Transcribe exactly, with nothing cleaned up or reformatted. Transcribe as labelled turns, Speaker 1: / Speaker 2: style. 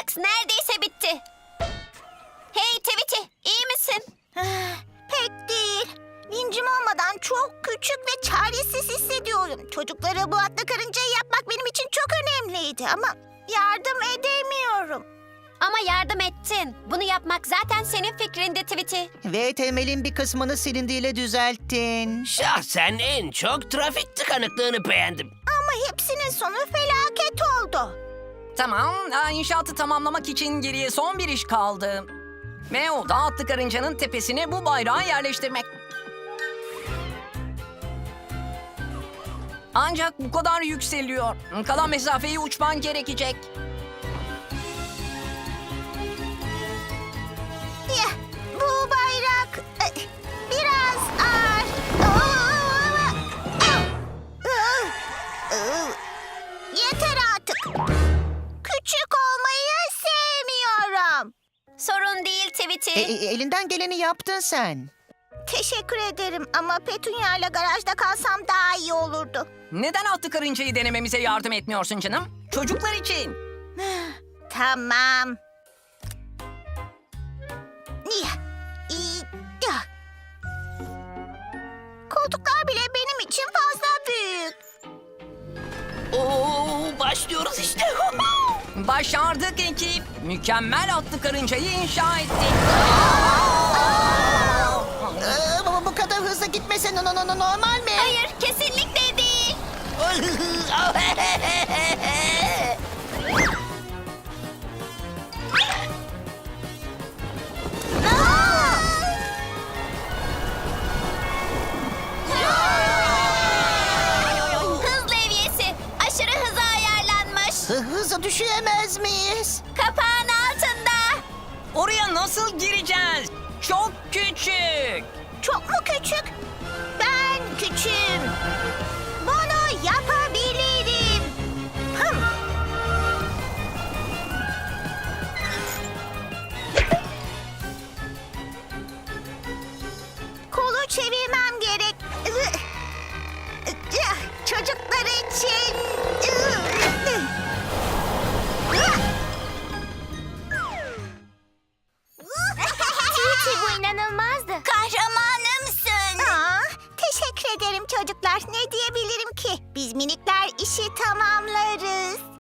Speaker 1: Max neredeyse bitti. Hey Tweety, iyi misin?
Speaker 2: Pek değil. Vincim olmadan çok küçük ve çaresiz hissediyorum. Çocuklara bu atlı karıncayı yapmak benim için çok önemliydi ama yardım edemiyorum.
Speaker 1: Ama yardım ettin. Bunu yapmak zaten senin fikrindi Tweety.
Speaker 3: Ve temelin bir kısmını silindiğiyle düzelttin.
Speaker 4: Şahsen en çok trafik tıkanıklığını beğendim.
Speaker 2: Ama hepsinin sonu felaket oldu.
Speaker 5: Tamam, aa, inşaatı tamamlamak için geriye son bir iş kaldı. Ve o da atlı karıncanın tepesine bu bayrağı yerleştirmek. Ancak bu kadar yükseliyor. Kalan mesafeyi uçman gerekecek.
Speaker 2: Ya, bu bayrak e, biraz ağır. Yeter artık. Küçük olmayı sevmiyorum.
Speaker 1: Sorun değil Tweety.
Speaker 3: E, e, elinden geleni yaptın sen.
Speaker 2: Teşekkür ederim ama Petunia ile garajda kalsam daha iyi olurdu.
Speaker 5: Neden atlı karıncayı denememize yardım etmiyorsun canım? Çocuklar için.
Speaker 2: Tamam. Ya, iyi, ya. Koltuklar bile benim için fazla büyük.
Speaker 4: Oo, başlıyoruz işte.
Speaker 5: Başardık ekip. Mükemmel atlı karıncayı inşa ettik.
Speaker 3: Ee, bu, bu kadar hızlı gitmesen no, no, no, normal mi?
Speaker 1: Hayır, kesinlikle değil. Hız levyesi aşırı hıza ayarlanmış.
Speaker 3: Hı- Hızla düşüremez miyiz?
Speaker 1: Kapağın altında.
Speaker 5: Oraya nasıl gireceğiz? Çok küçük.
Speaker 2: Çok mu küçük? Ben küçüğüm. Bunu yapabilirim. Hım. Kolu çevirmem gerek. Çocuklar için. Tweety, bu inanılmazdı. Kahramanımsın. Aa, teşekkür ederim çocuklar. Ne diyebilirim ki? Biz minikler işi tamamlarız.